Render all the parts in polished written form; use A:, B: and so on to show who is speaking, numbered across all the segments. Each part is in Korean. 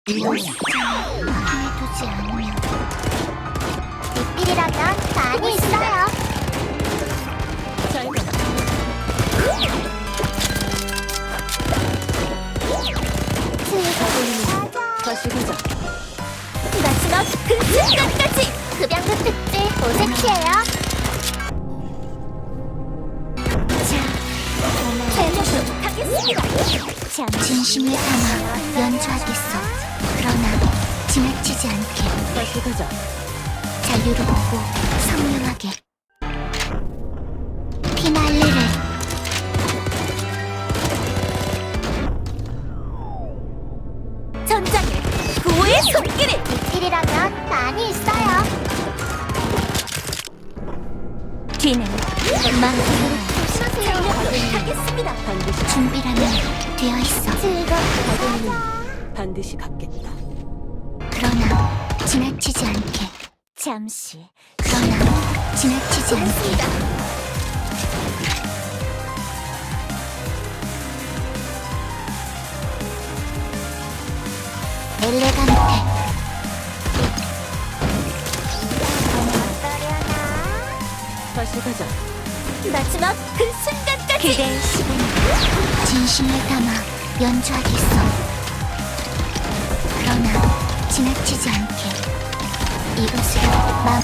A: 해두지 않으면 리필이라면 많이 있어요.
B: 다시 보자.
A: 마지막 그 순간까지 급양도 특집 오색시에요. 진심을 담아 연주하겠어. 그러나 지나치지 않게
B: 다시 가자.
A: 자유롭고 선명하게 피날레를 전장에 구호의 손길을 리필이라면 많이 있어요. 뒤는 망설임 하겠습니다.
B: 반드시
A: 준비라면 되어 있어.
B: 반드시 갚겠다.
A: 그러나 지나치지 않게 잠시 그러나 지나치지 않게 엘레간테
B: 다시 가자.
A: 마지막 그 순간까지 그대의 시간 진심을 담아 연주하겠어. 그러나 지나치지 않게 이것으로 마음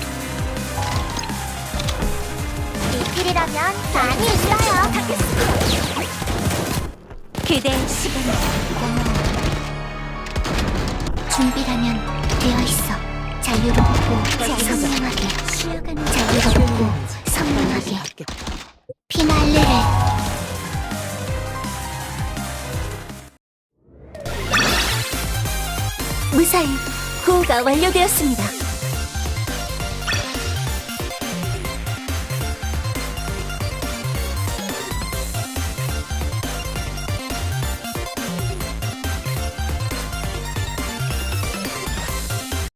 A: 리필이라면 많이 있어요. 그대의 시간이 준비라면 되어 있어. 자유롭고 선명하게 자유롭고 선명하게 피날레를 무사히 구호가 완료되었습니다.